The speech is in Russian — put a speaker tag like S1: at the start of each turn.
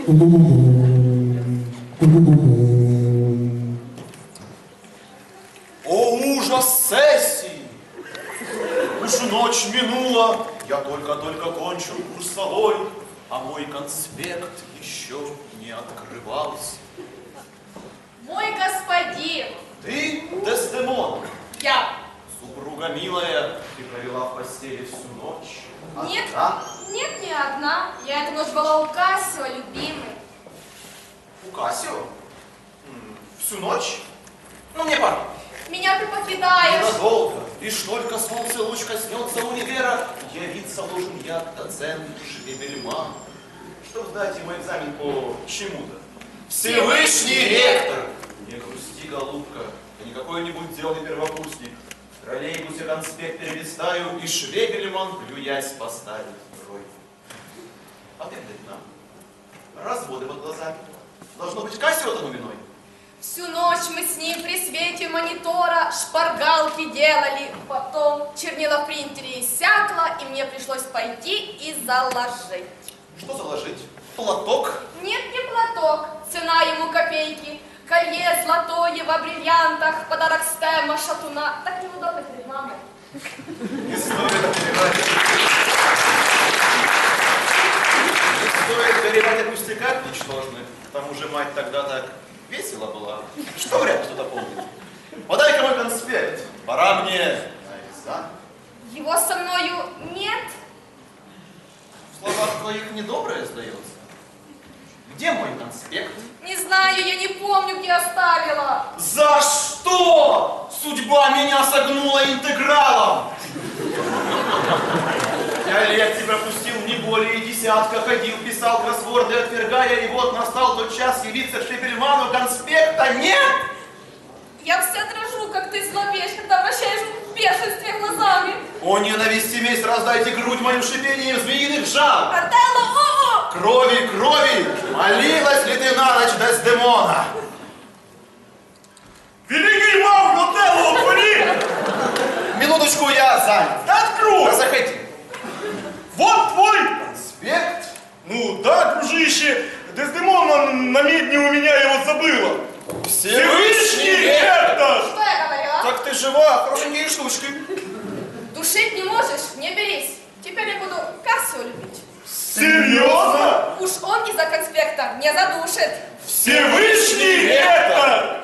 S1: О, ужас сессии! Уж ночь минула, я только-только кончил курсовой, а мой конспект еще не открывался.
S2: Мой господин!
S1: Ты, Дездемона?
S2: Я!
S1: Супруга милая, ты провела в постели всю ночь.
S2: Нет,
S1: Одна?
S2: нет, не одна. Я эту ночь была у Кассио, любимый.
S1: У Кассио? Всю ночь? Ну, мне пора.
S2: Меня ты покидаешь.
S1: Ненадолго. Лишь только солнце луч коснется универа, явиться должен я, доцент Швебельман, чтобы сдать ему экзамен по чему-то. Всевышний ректор! Не грусти, голубка, я не какой-нибудь деланный первокурсник. В троллейбусе конспект перелистаю, и Швебельман, плюясь, поставит тройку. А ты, нам разводы под глазами. Должно быть, Кассио тому виной.
S2: Всю ночь мы с ним при свете монитора шпаргалки делали. Потом чернила в принтере иссякло, и мне пришлось пойти и заложить.
S1: Что заложить? Платок?
S2: Нет, не платок. Цена ему копейки. Колье золотое во бриллиантах, подарок Стема, шатуна. Так неудобно перед мамой.
S1: Не стоит горевать. Не стоит горевать о пустяках ничтожных. К тому же мать тогда так весело была. Что вряд ли кто-то помнит. Подай-ка мой конспект. Пора мне на экзамен.
S2: Его со мною нет.
S1: В словах твоих недоброе сдается. Где мой конспект?
S2: Не знаю, я не помню, где оставила.
S1: За что? Судьба меня согнула интегралом. Я лекции пропустил не более десятка, ходил, писал кроссворды, отвергая, и вот настал тот час явиться Швебельману, конспекта нет!
S2: Я вся дрожу, как ты злобеешь, когда обращаешь в бешенстве глазами.
S1: О, ненависти месть, раздайте грудь мою шипением змеиных жал!
S2: Отелло, о-о!
S1: Крови, крови! Молилась ли ты на ночь, Дездемона?
S3: Великий маг, Отелло, отвори!
S1: Минуточку, я занят.
S3: Да открой!
S1: Да заходи.
S3: Вот твой!
S1: Конспект?
S3: Ну да, дружище, Дездемона на медне у меня его забыла. Всевышний ректор!
S2: Что я говорила?
S1: Так ты жива, хорошенькие штучки.
S2: Душить не можешь, не берись. Теперь я буду Кассио любить.
S3: Серьезно?
S2: Уж он из-за конспекта не задушит.
S3: Всевышний ректор!